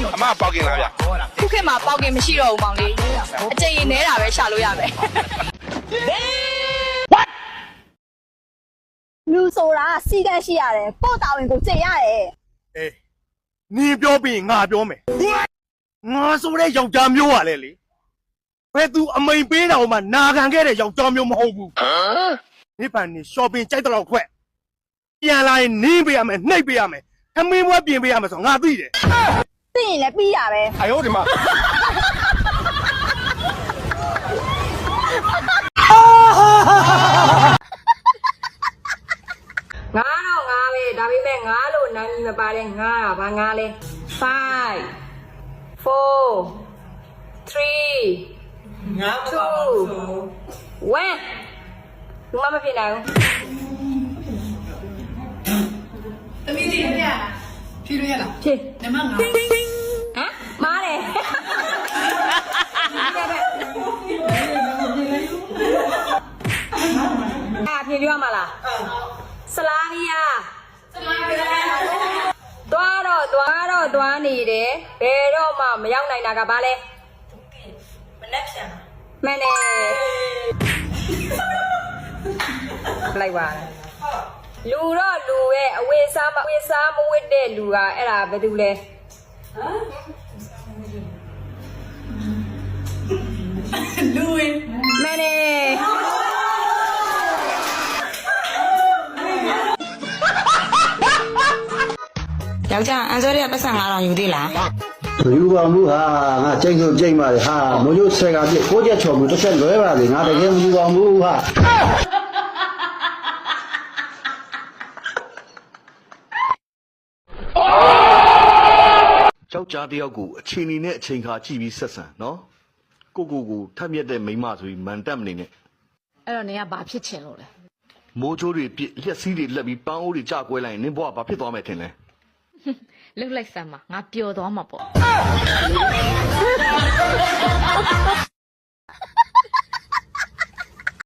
အမပေါက်ကင်လားဗျခုခေတ်မှာပေါက်ကင်မရှိတော့ဘူးမောင်လေးအကျင့်ရင်နဲတာပဲရှာလို့ရမယ်လူဆိုတာစီကံရှိရတယ်ပို့တာဝင်ကိုကျင့်ရတယ်အေးနင်းပြောပြီးငါပြောမယ်ငါဆိုတဲ့ယောက်ျားမျိုးပါလေလေဘယ်သူအမိန်ပေးတော်မှနာခံခဲ့တဲ့ယောက်ျားမျိုးမဟုတ်ဘူးနိဗ္ဗာန်นี่ shopping ကြိုက်တော့ခွက်ပြန်လာရင်နင်းပေးရမယ်နှိပ်ပေးရမယ်ခမင်းဘွားပြင်ပေးရမယ်ဆိုငါသိတယ်သိရင်လည်းပြီးရပဲ哎呦我的妈！ ငါတော့ငါပဲဒါပေမဲ့ငါလို့နာမည်မပါတဲ့ငါကဘာငါလဲ5 4 3ငါ2 1လူမဖြစ်နိုင်ဘူးသမီးလေးရဖြေလို့ရလားဖြေနမငါဟမ်မားတယ်ဖြေပြောမှာလားစလာနီယာသွားနေတယ်ဘယ်တော့မှမရောက်နိုင်တာကဘာလဲမနှက်ဖြန်မှန်တယ်လိုက်ပါလူတော့လူရဲ့အဝေးစားမဝစ်တဲ့လူကအဲ့ဒါဘယ်သူလဲလူဝင်မှန်တယ်ယောက်ျားအန်စောရပတ်စံ9000ယူသေးလားယူပါမှုဟာငါချိန်ဆိုချိန်ပါလေဟာမိုးရိုးဆယ်ကပြည့်ကိုချက်ချော်မှုတစ်ချက်လွဲပါလေငါတကယ်မယူပါဘူးဟာယောက်ျားတယောက်ကိုအချိန်နေနဲ့အချိန်ခါကြည့်ပြီးဆက်ဆံနော်ကိုထပ်မြက်တဲ့မိန်းမဆိုပြီးမန်တက်မနေနဲ့အဲ့တော့နေကဘာဖြစ်ချင်လို့လဲမိုးချိုးတွေပြစ်လက်စည်းတွေလက်ပြီးပန်းအိုးတွေကြကွဲလိုက်ရင်နင်းဘွားဘာဖြစ်သွားမယ်ထင်လဲလှုပ်လိုက်စမ်းပါငါပျော်သွားမှာပေါ့